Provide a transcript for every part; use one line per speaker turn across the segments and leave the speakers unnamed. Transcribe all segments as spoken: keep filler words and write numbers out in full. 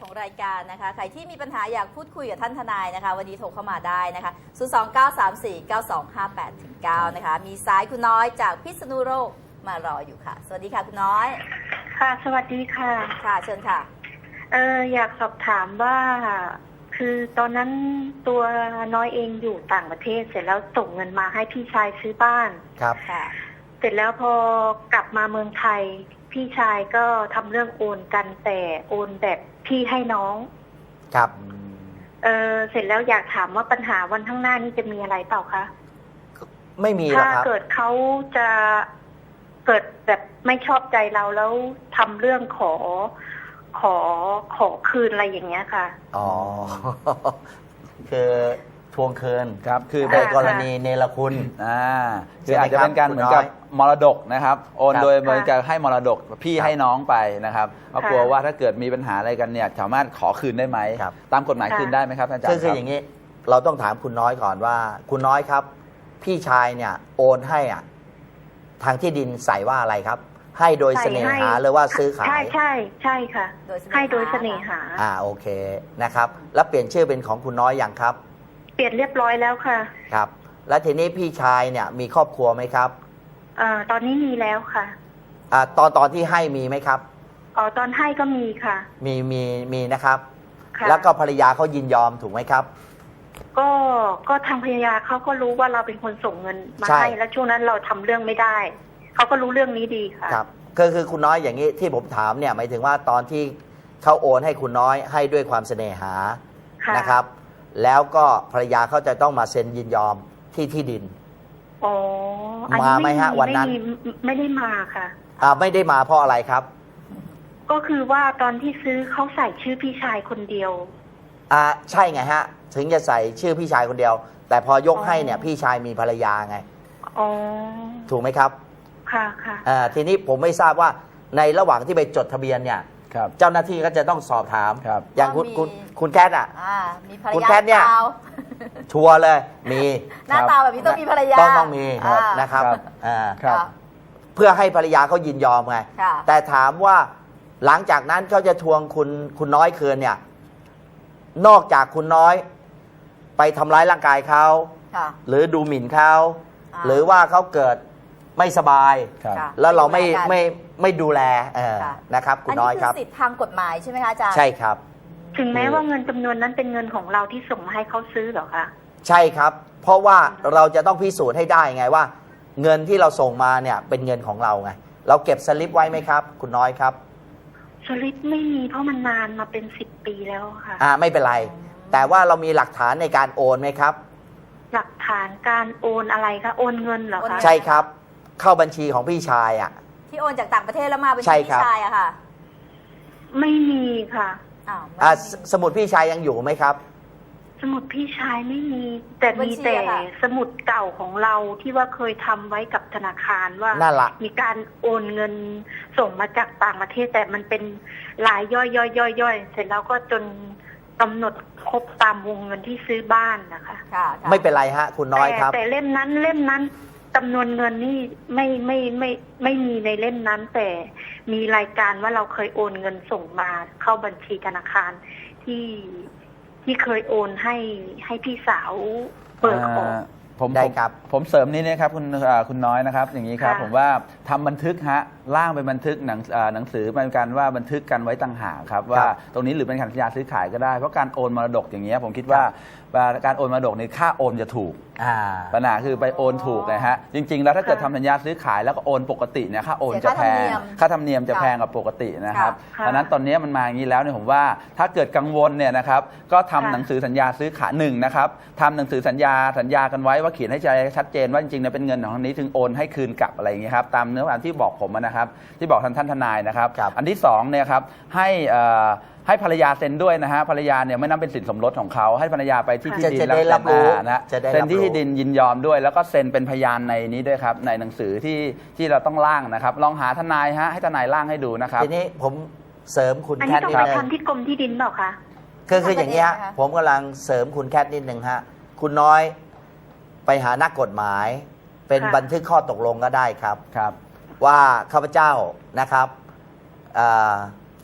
ของรายการนะคะใครที่มีปัญหาอยากพูดคุยกับท่านทนายนะคะวันนี้โทรเข้ามาได้นะคะศูนย์ สอง เก้า สาม สี่ เก้า สอง ห้า แปด เก้า นะคะมีสายคุณน้อยจากพิษณุโลกมารออยู่ค่ะสวัสดีค่ะคุณน้อย
ค่ะสวัสดีค่ะ
ค่ะเชิญค่ะ
เอออยากสอบถามว่าคือตอนนั้นตัวน้อยเองอยู่ต่างประเทศเสร็จแล้วส่งเงินมาให้พี่ชายซื้อบ้าน
ครับ
ค่ะ
เสร็จแล้วพอกลับมาเมืองไทยพี่ชายก็ทำเรื่องโอนกันแต่โอนแบบพี่ให้น้อง
ครับ
เออเสร็จแล้วอยากถามว่าปัญหาวันข้างหน้านี้จะมีอะไรเปล่าคะ
ไม่มีหรอกครับ
ถ้าเกิดเขาจะเกิดแบบไม่ชอบใจเราแล้วทำเรื่องขอขอขอคืนอะไรอย่างเงี้ยค่ะ
อ๋อคือทวงคืน
ครับคือ
ในกรณีเนรคุณ
อ่าคืออาจจะเป็นการเหมือนกับมรดกนะครับโอนโดยเหมือนกับให้มรดกพี่ให้น้องไปนะครับเพราะกลัวว่าถ้าเกิดมีปัญหาอะไรกันเนี่ยสามารถขอคืนได้ไหมตามกฎหมายคืนได้ไหมครับอาจารย์
คืออย่างนี้เราต้องถามคุณน้อยก่อนว่าคุณน้อยครับพี่ชายเนี่ยโอนให้อ่ะทางที่ดินใส่ว่าอะไรครับให้โดยเสน่หาหรือว่าซื้อขาย
ใช่ใช่ใช่ค่ะให้โดยเสน่หา
อ่าโอเคนะครับแล้วเปลี่ยนชื่อเป็นของคุณน้อยอย่างครับ
เปลี่ยนเรียบร้อยแล้วค่ะ
ครับแล้วทีนี้พี่ชายเนี่ยมีครอบครัวไหมครับ
อ่าตอนนี้มีแล้วค่ะ
อ่าตอนตอนที่ให้มีไหมครับ
อ๋อตอนให้ก็มีค่ะ
มีมีมีนะครับแล้วก็ภรรยาเขายินยอมถูกไหมครับ
ก็ก็ทางภรรยาเขาก็รู้ว่าเราเป็นคนส่งเงินมาให้แล้วช่วงนั้นเราทำเรื่องไม่ได้เขาก็รู้เรื่องนี้ดีค่ะ
ครับคือคือคุณน้อยอย่างนี้ที่ผมถามเนี่ยหมายถึงว่าตอนที่เขาโอนให้คุณน้อยให้ด้วยความเสน่หานะครับแล้วก็ภรรยาเขาจะต้องมาเซ็นยินยอมที่ที่ดิน
อ๋อ
มาไหมฮะวันนั้น
ไม่ได้มาค่ะ
อ่าไม่ได้มาเพราะอะไรครับ
ก็คือว่าตอนที่ซื้อเขาใส่ชื่อพี่ชายคนเดียว
อ่าใช่ไงฮะถึงจะใส่ชื่อพี่ชายคนเดียวแต่พอยกให้เนี่ยพี่ชายมีภรรยาไง
อ๋อ
ถูกไหมครับ
ค่ะค่ะ
อ่าทีนี้ผมไม่ทราบว่าในระหว่างที่ไปจดทะเบียนเนี่ยเจ้าหน้าที่ก็จะต้องสอบถามอย่างคุณคุณคุณแคทอ่ะคุณแคทเนี่ยชัวร์เลยมี
หน้าตาแบบนี้ต้องมีภรรยา
ต้องต้องมีนะครับอ่าเพื่อให้ภรรยาเขายินยอมไงแต่ถามว่าหลังจากนั้นเขาจะทวงคุณคุณน้อยคืนเนี่ยนอกจากคุณน้อยไปทำร้ายร่างกายเขาหรือดูหมิ่นเขาหรือว่าเขาเกิดไม่สบายแล้วเราไม่ไม่ไม่ดูแลนะครับคุณน้อยครับ
อันนี้คือสิทธิทางกฎหมายใช่ไหมคะอาจารย์
ใช่ครับ
ถึงแม้ว่าเงินจำนวนนั้นเป็นเงินของเราที่ส่งมาให้เขาซื้อเหรอคะ
ใช่ครับเพราะว่าเราจะต้องพิสูจน์ให้ได้ไงว่าเงินที่เราส่งมาเนี่ยเป็นเงินของเราไงเราเก็บสลิปไว้ไหมครับคุณน้อยครับ
สลิปไม่มีเพราะมันนานมาเป็นสิบปีแล้วค่ะ
อ่าไม่เป็นไรแต่ว่าเรามีหลักฐานในการโอนไหมครับ
หลักฐานการโอนอะไรคะโอนเงินเหรอคะ
ใช่ครับเข้าบัญชีของพี่ชายอ่ะ
ที่โอนจากต่างประเทศแล้วมาบัญชีพี่ชายอะค่ะ
ไม่มีค่ะ
อ่าสมุดพี่ชายยังอยู่ไหมครับ
สมุดพี่ชายไม่มีแต่มีแต่สมุดเก่าของเราที่ว่าเคยทำไว้กับธนาคารว่ามีการโอนเงินส่งมาจากต่างประเทศแต่มันเป็นรายย่อยย่อยย่อยย่อยเสร็จแล้วก็จนกำหนดครบตามวงเงินที่ซื้อบ้านนะคะ
ไม่เป็นไรฮะคุณน้อยครับ
แต่เล่มนั้นเล่มนั้นจำนวนเงินนี่ไม่ไม่ไม่ไม่มีในเล่มนั้นแต่มีรายการว่าเราเคยโอนเงินส่งมาเข้าบัญชีธนาคารที่ที่เคยโอนให้ให้พี่สาวเปิดออก
ผมได้ครับผมเสริมนี้นะครับคุณคุณน้อยนะครับอย่างนี้ครับผมว่าทำบันทึกฮะร่างเป็นบันทึกหนังหนังสือเป็นการว่าบันทึกกันไว้ต่างหากครับว่าตรงนี้หรือเป็นสัญญาซื้อขายก็ได้เพราะการโอนมรดกอย่างเงี้ยผมคิดว่าการโอนมรดกในค่าโอนจะถูกปัญหาคือไปโอนถูกนะฮะจริงๆแล้วถ้าเกิดทำสัญญาซื้อขายแล้วก็โอนปกติเนี่ยค่าโอนจะแพงค่าธรรมเนียมจะแพงกว่าปกตินะครับเพราะนั้นตอนนี้มันมาอย่างนี้แล้วเนี่ยผมว่าถ้าเกิดกังวลเนี่ยนะครับก็ทำหนังสือสัญญาซื้อขายหนึ่งนะครับทำหนังสือสัญญาสัญญากันไว้ว่าเขียนให้ชัดเจนว่าจริงๆเนี่ยเป็นเงินของทางนี้ถึงโอนให้คืนกลับอะไรอย่างเงี้ยครับตามเนื้อความที่บอกผมนะครับที่บอกท่านท่านทนายนะครับอันที่สองเนี่ยครับให้ให้ภรรยาเซ็นด้วยนะฮะภรรยาเนี่ยไม่นับเป็นสินสมรสของเขาให้ภรรยาไปที่ที่ดิน
แล้วเซ็น
นะเซ็นที่ที่ดินยินยอมด้วยแล้วก็เซ็นเป็นพยานในนี้ด้วยครับในหนังสือที่ที่เราต้องร่างนะครับลองหาทนายฮะให้ทนายร่างให้ดูนะครับ
ทีนี้ผมเสริมคุณแคท
นิดนึงอันนี้ต้องไปทำที่กรมที่ดินเปล่าคะ
คือคืออย่างนี้ผมกำลังเสริมคุณแคทนิดนึงฮะคุณน้อยไปหานักกฎหมายเป็นบันทึกข้อตกลงก็ได้ครับ
ครับ
ว่าข้าพเจ้านะครับ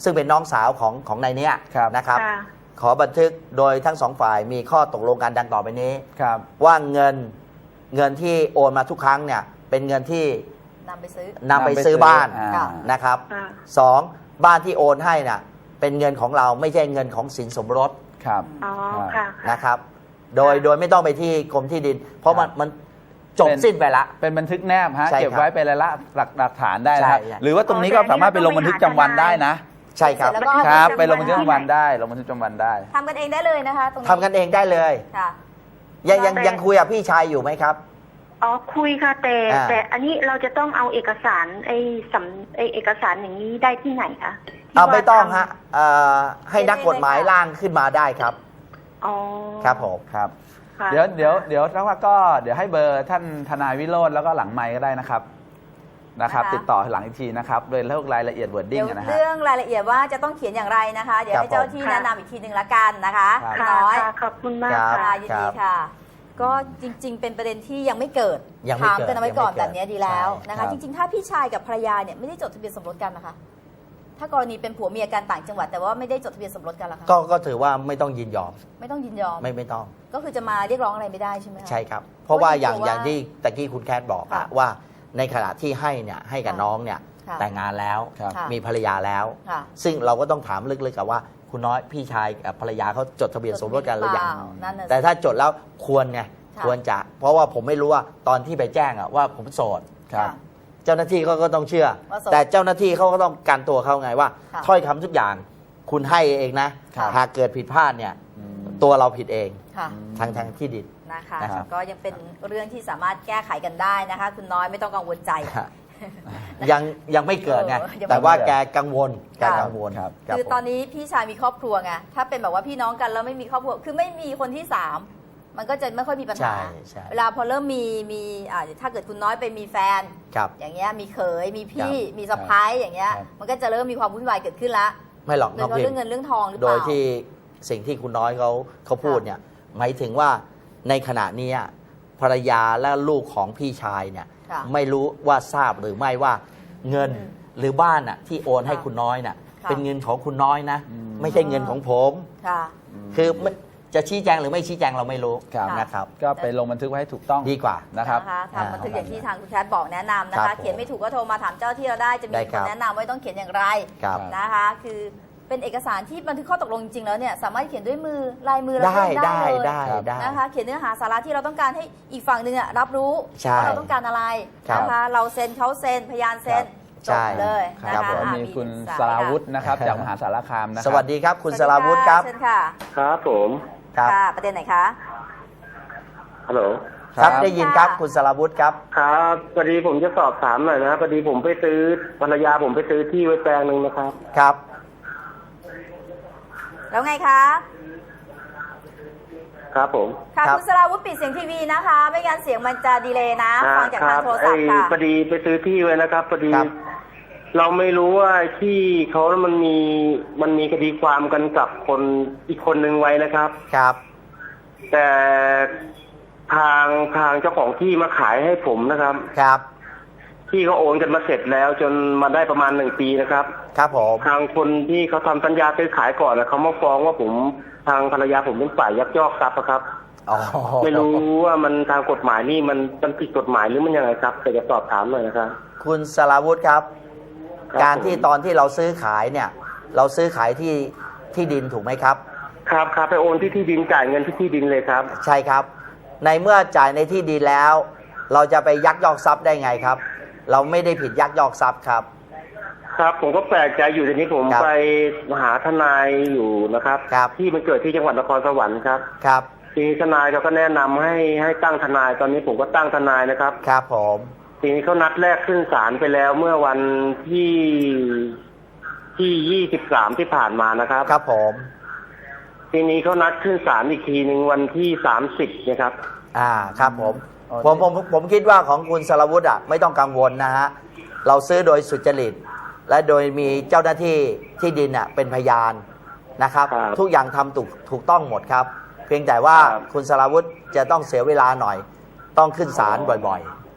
ซึ่งเป็นน้องสาวของของนายเนี้ย
ครับ
นะครับ
ค่ะ
ขอบันทึกโดยทั้งสองฝ่ายมีข้อตกลงกันดังต่อไปนี้
ครับ
ว่าเงินเงินที่โอนมาทุกครั้งเนี่ยเป็นเงินที่
นำไปซื้อ
นำไปซื้อบ้าน
อ่า
ค่ะ
นะครับ
ค่ะ
สองบ้านที่โอนให้น่ะเป็นเงินของเราไม่ใช่เงินของสินสมรส
ครับ
อ๋อค่ะ
นะครับ โดยโดยไม่ต้องไปที่กรมที่ดิน เพราะมัน
ครับ
มันจบ
เป็น
สิ้นไปละ
เป็นบันทึกแนบฮะ
ใช่ครับ
เก็บไว้เป็นรายละหลักหลักฐานได้นะครับ
ใช่ใช่
หรือว่าตรงนี้ก็สามารถไปลงบันทึกประจำวันได้นะ
ใช่ครับ
เสร็จแล้วก็
ครับ
เอา
ไปลงบันทึกประจำวัน
ที่ไหน
ได้ลงบันทึกประจำวันได้
ทำกันเองได้เลยนะคะตรงนี้
ทำกันเองได้เลย
ค่ะ
ยังยัง
แต่
ยังคุยกับพี่ชายอยู่ไหมครับ
อ๋อคุยค่ะแต่
อ่า
แต่อันนี้เราจะต้องเอาเอกสารไอ้สำไอ้เอกสารอย่างนี้ได้ที่ไหนคะที่
เอา
ว่า
ไม่ต้อง
ทำ
ฮะเอ่อให้นักกฎหมายร่างขึ้นมาได้ครับ
อ๋อ
ครับผม
ครับ
ค่ะ
เดี๋ยวเดี๋ยวเดี๋ยวแล้วก็เดี๋ยวให้เบอร์ท่านทนายวิโรจน์แล้วก็หลังไมค์ก็ได้นะครับนะครับ
นะคะ
ติดต่อหลังอีกทีนะครับโดยเรื่องรายละเอียดวอร์ดดิ้
เดี๋
ง
ยว
นะฮะ
เรื่องรายละเอียดว่าจะต้องเขียนอย่างไรนะคะ เดี๋ยว
ครับ
ให้เจ้าที่
ผม
แนะนำอีกทีหนึ่งละกันนะคะ
ครับ
ค่ะ
น้อย
ค่ะขอบคุณมาก
ครับ
ค่ะ
ค่ะยินดีค่ะ ก็จริง ๆ เป็นประเด็นที่ยังไม่เกิด
ยังไม่
ถาม
เกิด
กันเอาไว้ก่อน
ยังไม่เกิด
แบบนี้ดีแล้ว
ใช่
นะ
ครั
คะ
บ
จริง ๆ ถ้าพี่ชายกับภรรยาเนี่ยไม่ได้จดทะเบียนสมรสกันนะคะ ถ้ากรณีเป็นผัวเมียกันต่างจังหวัดแต่ว่าไม่ได้จดทะเบียนสมรสกันล่ะคะ
ก็ก็ถือว่าไม่ต้องยินยอม
ไม่ต้องยินยอม
ไม่ไม่ต้อง
ก็คือจะมาเรียกร้องอะไรไม่ได้ใช่ไหมคะ
ใช่ครับ เพราะว่าอย่าง
เพราะว่า
อย่างที่ตะกี้คุณแคทบอกอะ
ค่ะ
ว่าในขณะที่ให้เนี่ยให้กับ
ค่ะ
น้องเนี่ย
ค่ะ
แต่งงานแล้ว
ครับ
ค่ะ
มีภรรยาแล้ว
ค่ะ
ซึ่งเราก็ต้องถามลึกๆกับว่าคุณน้อยพี่ชายกับภรรยาเขาจดทะเบียนสมรสกันหรือยัง
เปล่านั่นน่ะสิ
แต่ถ้าจดแล้วควรไง
ค่ะ
ควรจะ เพราะว่าผมไม่รู้ว่าตอนที่ไปแจ้งอะว่าผมโสด
ครับ
ค่ะ
เจ้าหน้าที่เขาก็ต้องเชื่อ
ว่าโสด
แต่เจ้าหน้าที่เขาก็ต้องการตัวเขาไงว่า
ค่ะ
ถ้อยคำทุกอย่างคุณให้เองนะ
ค่ะ
หากเกิดผิดพลาดเนี่ย
อืม
ตัวเราผิดเอง
ค่ะ
ทางทางที่ดิน
นะคะ
นะครับ
ก็ยังเป็นเรื่องที่สามารถแก้ไขกันได้นะคะ คุณน้อยไม่ต้องกังวลใจ
ยังยังไม่เกิดไง
เออยังไม่
แต่ว่า
เกิด
แกกังวลแก
ค่ะ
กังวล
ครับ
รับ
คือ
ผม
ตอนนี้พี่ชายมีครอบครัวไงถ้าเป็นแบบว่าพี่น้องกันแล้วไม่มีครอบครัวคือไม่มีคนที่สามมันก็จะไม่ค่อยมีปัญหา
ใช่ใช่
เวลาพอเริ่มมีมีอ่าถ้าเกิดคุณน้อยไปมีแฟน
ครับ
อย่างเงี้ยมีเขยมีพี่
ครับ
มีสะพ้ายอย่างเงี้ย
ครับ
มันก็จะเริ่มมีความวุ่นวายเกิดขึ้นละ
ไม่หรอก
โด
น้
ย
อง
เฉพาะ
พิม
เรื่องเงินเรื่องทองหรือเป
โด
ล่า
ยที่สิ่งที่คุณน้อยเขาเขาพูดเนี่ยหมายถึงว่าในขณะนี้ภรรยาและลูกของพี่ชายเนี่ย
ค่ะ
ไม่รู้ว่าทราบหรือไม่ว่าเงิน
อืม
หรือบ้านน่ะที่โอนให้
ค่ะ
คุณน้อยน่ะ
ค่ะ
เป็นเงินของคุณน้อยนะ
อืม
ไม่ใช่เงินของผม
ค่ะ
คือไม่จะชี้แจงหรือไม่ชี้แจงเราไม่รู้
ครับ
นะครับ
ก็ไปลงบันทึกไว้ให้ถูกต้อง
ดีกว่า
นะครับ
นะคะทำบันทึกอย่างที่ทางคุณแคทบอกแนะนำนะ
ครั
คะ
บผม
เขียนไม่ถูกก็โทรมาถามเจ้าที่เราได้จะมี
ได้
ค
ครั
น
บ
แนะนำว่าต้องเขียนอย่างไร
ครับ
นะคะ คือเป็นเอกสารที่บันทึกข้อตกลงจริงๆแล้วเนี่ยสามารถเขียนด้วยมือลายมือเรา
ได้
เอง
ได้
เลย
ได้
ครับ
ได้
นะคะ เขียนเนื้อหาสาระที่เราต้องการให้อีกฝั่งหนึ่งอะรับรู้
ใช่
ว่าเราต้องการอะไร
ครับ
นะคะ เราเซ็นเขาเซ็นพยานเซ็นจ
ใช่
บเลย
ค
นะ
รับ
คะ
ผม
อ่ะ
มีคุณ
สาย
สราวุธ
ค่ะ
นะครับจากมหาสารคามนะครับ
สวัสดีครับ คุณ
ส
ส
วัส
รา
ดี
วุธครับ
เชิญค่ะ
ครับผม
ครับ
ค่ะ ประเด็นไหนคะ
ฮัลโหล
ครับ
ครับ
ได้ยินครับ
ค่ะ
คุณสราวุธครับ
ครับพอดีผมจะสอบถามหน่อยนะพอดีผมไปซื้อภรรยาผมไปซื้อที่ไว้แปลงหนึ่งนะครับ
ครับ
แล้วไงคะ
ครับผม
ค่ะ
ครับ
คุณสราวุธปิดเสียงทีวีนะคะ ไม่งั้นเสียงมันจะดีเลย์นะ ฟังจาก
ค
ทา
รั
งโทร
ไอ้
ศัพท์ค่ะ
พอดีไปซื้อที่ไว้นะครับพอดี
ครับ
เราไม่รู้ว่าที่เขามันมีมันมีคดีความกันกับคนอีกคนหนึ่งไว้นะครับ
ครับ
แต่ทางทางเจ้าของที่มาขายให้ผมนะครับ
ครับ
ที่เขาโอนกันมาเสร็จแล้ว จนมาได้ประมาณหนึ่งปีนะครับ
ครับผม
ทางคนที่เขาทำสัญญาซื้อขายก่อนนะเขามาฟ้องว่าผมทางภรรยาผมเป็นฝ่ายยักยอกทรัพย์อะครับ
อ๋อ
ไม่รู้ว่ามันทางกฎหมายนี่มันมันผิดกฎหมายหรือมันยังไงครับแต่จะสอบถามหน่อยนะครับ
คุณสราวุธครับ
ครับ
การที่
ผม
ตอนที่เราซื้อขายเนี่ย เราซื้อขายที่ที่ดินถูกไหมครับ
ครับครับไปโอนที่ที่ดินจ่ายเงินที่ที่ดินเลยครับ
ใช่ครับ ในเมื่อจ่ายในที่ดินแล้ว เราจะไปยักยอกทรัพย์ได้ไงครับ เราไม่ได้ผิดยักยอกทรัพย์ครับ
ครับผมก็แปลกใจอยู่ทีนี้ผม
ครับ
ไปหาทนายอยู่นะครับ
ครับ
ที่มันเกิดที่จังหวัดนครสวรรค์ครับ
ครับ
ทีนี้ทนายเขาก็แนะนำให้ให้ตั้งทนายตอนนี้ผมก็ตั้งทนายนะครับ
ครับผม
ทีนี้เขานัดแรกขึ้นศาลไปแล้วเมื่อวันที่ที่ยี่สิบสามที่ผ่านมานะครับ
ครับผม
ทีนี้เขานัดขึ้นศาลอีกทีหนึ่งวันที่สามสิบนะครับ
อ่า ครับผม
อ๋อ
ผมผมผมคิดว่าของคุณสรวุฒิอ่ะไม่ต้องกังวลนะฮะ เราซื้อโดยสุจริต และโดยมีเจ้าหน้าที่ที่ดินอ่ะเป็นพยานนะครับ
ครับ
ทุกอย่างทำถูกถูกต้องหมดครับ เพียงแต่ว่า
ครับ
คุณสรวุฒิจะต้องเสียเวลาหน่อย ต้องขึ้นศาลบ่อย
อืม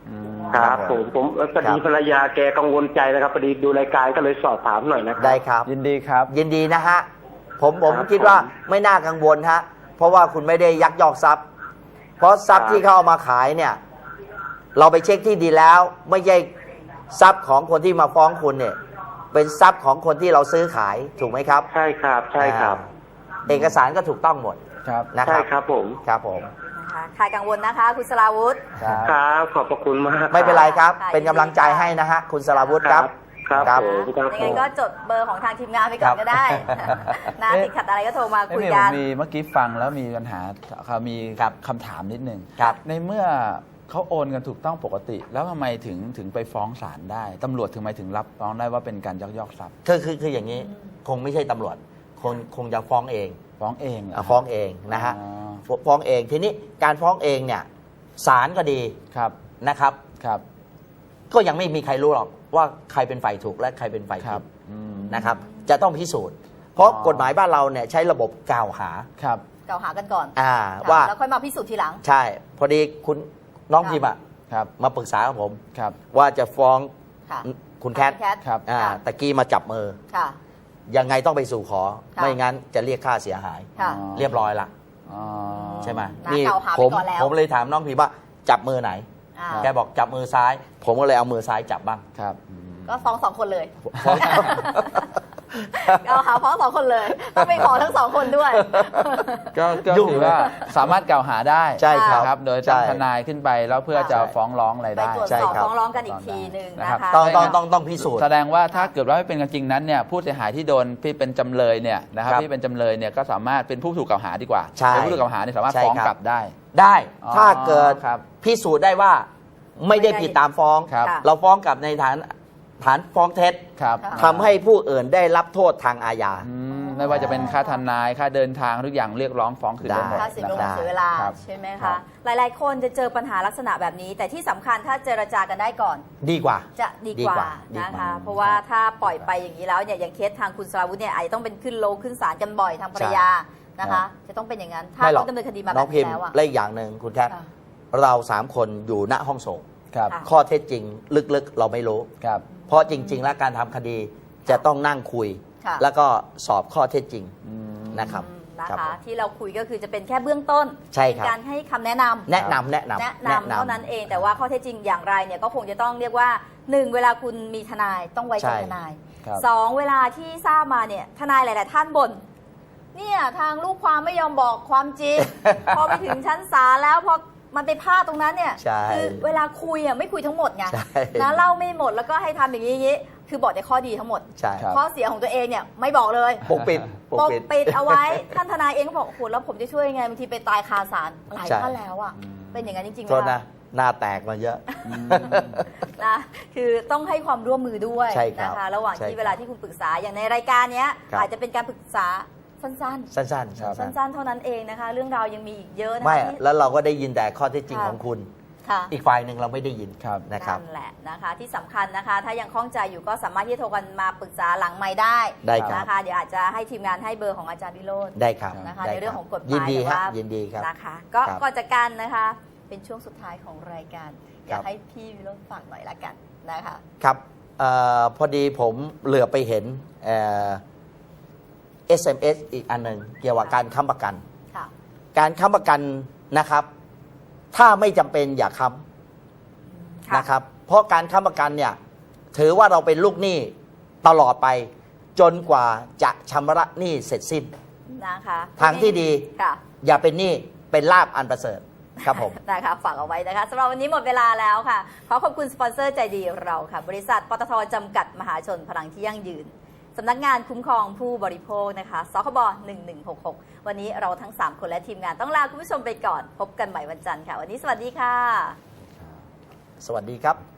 ครับผมผมพอดีภรรยาแกกังวลใจนะครับพอดีดูรายการก็เลยสอบถามหน่อยนะครับ
ได้ครับ
ยินดีครับ
ยินดีนะฮะผมผม
ครับ
คิดว่า
ผม
ไม่น่ากังวลฮะเพราะว่าคุณไม่ได้ยักยอกทรัพย์ เพราะทรัพย์
ครับ
ที่เขาเอามาขายเนี่ย เราไปเช็คที่ดีแล้ว ไม่ใช่ทรัพย์ของคนที่มาฟ้องคุณเนี่ย เป็นทรัพย์ของคนที่เราซื้อขายถูกไหมครับ
ใช่ครับใช่ครับ
อ่าเอกสารก็ถูกต้องหมด
ครับ
นะค
ใช่
รับ
ครับผม
ครับผม
นะคะคลายกังวลนะคะคุณสราวุธ
ครับ
ครับขอบพระคุณมาก
ไม่เป็นไรครับ
ค่ะ
เป็นกำลังใจให้นะฮะคุณสราวุธครับ
ครับ
ครับ
ผมครับ
ยัง
ผ
ไง
ม
ก็จดเบอร์ของทางทีมงานไปก่อนก็ได้ นะ
เอ๊ะ
ติดขัดอะไรก็โทรมา
เอ้ย
คุย
มี
กัน
มีเมื่อกี้ฟังแล้วมีปัญหาเขามี
ครับ
คำถามนิดนึง
ครับ
ในเมื่อเขาโอนกันถูกต้องปกติ แล้วทำไมถึงถึงไปฟ้องศาลได้ตำรวจถึงไมถึงรับฟ้องได้ว่าเป็นการยักยอกทรัพย์
คือคือคืออย่างนี้คงไม่ใช่ตำรวจคงคงจะฟ้องเอง
ฟ้องเองเหรอ
อ่ะฟ้องเองนะฮะ
อ๋อ
ฟฟ้องเองทีนี้การฟ้องเองเนี่ยศาลก็ดี
ครับ
นะครับ
ครับ
ก็ยังไม่มีใครรู้หรอกว่าใครเป็นฝ่ายถูกและใครเป็นฝ่าย
ครั
ผิ
บ
ด
อืม
นะครับ จะต้องพิสูจน์ เพราะ
อ๋อก
ฎหมายบ้านเราเนี่ยใช้ระบบกล่าวหา
ครับ
กล่าวหากันก่อน
อ่า
ค่ะ
ว่า
แล้วค่อยมาพิสูจน์ทีหลัง
ใช่ พอดีคุณน้อง
ค่ะ
พิมพ์อะ
ครับ
มาปรึกษากับผม
ครับ
ว่าจะฟ้อง
ค่ะ
คุณแคท
ณแคท
ครับ
อ่า
ค่ะ
ตะกี้มาจับมือ
ค่ะ
ยังไงต้องไปสู่ขอ
ค่ะ
ไม่งั้นจะเรียกค่าเสียหาย
ค่ะ
อ๋อ
เรียบร้อยละ
อ๋อ
ใช่ไหม
นะกล่าวหาไป
ผม
ก่อนแล้ว
ผมเลยถามน้องพิมพ์ว่าจับมือไหน
อ่า
แกบอกจับมือซ้าย ผมก็เลยเอามือซ้ายจับบ้าง
ครับอืม
ก็ฟ้องสองคนเลย
ฟ้อง
กล่าวหาฟ้องสองคนเลย ต้องไปขอทั้งสองคนด้วย
ก็ก็
ยุ่ง
ถือว่าสามารถกล่าวหาได้
ใช่ครับ
นะครับ โดยจ้าง
ใช่
ทนายขึ้นไปแล้วเพื่อจะ
ใช่
ฟ้องร้องอะไร
ไป
ได้
ตรวจ
ใช่
สอบ
ครับ
ฟ้องร้องกันอีกทีหนึ่ง
นะ
นะครับ คะ
ต้อง
ไม่
ต้อง
งั้น
ต้องต้องพิสูจน์
แสดงว่าถ้าเกิดว่าไม่เป็นกันจริงนั้นเนี่ยผู้เสียหายที่โดนที่เป็นจำเลยเนี่ยนะครับ
ครับ
ที่เป็นจำเลยเนี่ยก็สามารถเป็นผู้ถูกกล่าวหาดีกว่า
ใช่
เป็นผู้ถูกกล่าวหาเนี่ยสามารถ
ใช่
ฟ้อง
ครับ
กลับได้
ได้
อ๋อ
ถ้าเกิด
ครับ
พิสูจน์ได้ว่าไม่ได้ผิดตามฟ้อง
ครับ
ค่ะ
เราฟ้องกลับในฐานฐานฟ้องเท็จ
ครับ
ค่ะ
ทำให้ผู้อื่นได้รับโทษทางอาญา
อืมไม่ว่าจะเป็นค่าทนายค่าเดินทางทุกอย่างเรียกร้องฟ้องคืนได้หมด
ค่าเสีย
นะ
เว
ค
ลา
รับ
เสียเวลา
ครับ
ใช่ไหม
ครั
คะ
บ
หลายๆ คนจะเจอปัญหาลักษณะแบบนี้ แต่ที่สำคัญถ้าเจรจากันได้ก่อน
ดีกว่า
จะดีกว่า
ดีกว่าดี
นะ
กว่า
คะ เพราะว่าถ้าปล่อยไปอย่างนี้แล้วเนี่ยอย่างเคสทางคุณสราวุธเนี่ยอาจจะต้องเป็นขึ้นโลขึ้นศาลกันบ่อยทางภรรยานะคะ จะต้องเป็นอย่างนั้น ถ้า
ไม่หรอ
ต้อก งดำเนินคดีมาแบ
น้อง
บ
พิ
นี้
มพ์
แล้วอะ
และอีกอย่างหนึ่งคุณแคท
ค่ะ
เราสามคนอยู่ณห้องส่ง
ครับ
ค่ะ
ข้อเท็จจริงลึกๆ เราไม่รู้
ครับ
เพราะจริง ๆ แล้วการทำคดีจะต้องนั่งคุย
ค่ะ
แล้วก็สอบข้อเท็จจริง
อืม
นะครับ
อืมนะ
รับ
คะ
ผม
ที่เราคุยก็คือจะเป็นแค่เบื้องต้น
ใช่ครับ
เป็นการให้คำแนะนำ
แนะนำแนะนำ
แนะนำเท่านั้นเองแต่ว่าข้อเท็จจริงอย่างไรเนี่ยก็คงจะต้องเรียกว่าหนึ่งเวลาคุณมีทนายต้องไว้ใจ
ใช่
ทนาย
ครับ
สองเวลาที่ทราบมาเนี่ยทนายหลาย ๆ ท่านบ่นเนี่ยทางลูกความไม่ยอมบอกความจริง พอไปถึงชั้นศาลแล้วพอมันไปพลาดตรงนั้นเนี่ย
ใช่
คือเวลาคุยอ่ะไม่คุยทั้งหมดไง
ใช่
นะเล่าไม่หมดแล้วก็ให้ทำอย่างนี้อย่างนี้คือบอกแต่ข้อดีทั้งหมด
ใช่
ครับ
ข้อเสียของตัวเองเนี่ยไม่บอกเลย
ปกปิดปก
ปก
ปิด
ปิดเอาไว้ ท่านทนายเองก็บอกโอ้โหแล้วผมจะช่วยยังไงบางทีไปตายคาศาลหลาย
ใช่
ท่านแล้วอ่ะเป็นอย่างนั้นจริงๆ
โทษ
นะ
นะ หน้าแตกมาเยอะ
นะคือต้องให้ความร่วมมือด้วย
ใช่ครับ
นะคะระหว่าง
ใช่
ที่
ครับ
เวลาที่คุณปรึกษาอย่างในรายการเนี้ย
ครับ
อาจจะเป็นการปรึกษาสั้น
สั้นๆ
ครับ
ๆ
สั้น
สั้นๆ เท่านั้นเองนะคะ เรื่องราวยังมีอีกเยอะ
ๆ
นะคะ
ไม่
ที่
แล้วเราก็ได้ยินแต่ข้อเท็จจริง
ค่ะ
ของคุณ
ค่ะ
อีกฝ่ายหนึ่งเราไม่ได้ยิน
ครับ
นะครับ
นั่นแหละนะคะที่สำคัญนะคะ ถ้ายังคล่องใจอยู่ก็สามารถที่จะโทรกันมาปรึกษาหลังไม้ได้
ได้ครับ
นะคะเดี๋ยวอาจจะให้ทีมงานให้เบอร์ของอาจารย์วิโรจน์
ได้ครับ
นะคะ
ได้
ในเรื่องของกฎหมาย
ยินดี
แต่
ครับ
ว่า
ยินดีครับ
นะคะก็
ครับ
ก่อนจากกันนะคะ เป็นช่วงสุดท้ายของรายการอยาก
ครับ
ให้พี่วิโรจน์ฝากหน่อยละกันนะคะ
ครับเออพอดีผมเหลือไปเห็นเอ่อ เอส เอ็ม เอส อีกอันหนึ่งเกี่ยวกับการค้ำประกัน
ค่ะ
การค้ำประกันนะครับ ถ้าไม่จำเป็นอย่าค้ำ
ค่ะ
นะครับ เพราะการค้ำประกันเนี่ยถือว่าเราเป็นลูกหนี้ตลอดไป จนกว่าจะชำระหนี้เสร็จสิ้น
นะคะ
ทางที่ดี
ค่ะ
อย่าเป็นหนี้เป็นลาบอันประเสริฐครับผม
นะคะฝากเอาไว้นะคะสำหรับวันนี้หมดเวลาแล้วค่ะ ขอขอบคุณสปอนเซอร์ใจดีเราค่ะ บริษัทปตทจำกัดมหาชนพลังที่ยั่งยืนสำนักงานคุ้มครองผู้บริโภคนะคะสคบหนึ่งหนึ่งหกหกวันนี้เราทั้งสามคนและทีมงานต้องลาคุณผู้ชมไปก่อน พบกันใหม่วันจันทร์ค่ะ วันนี้สวัสดีค่ะ
สวัสดีครับ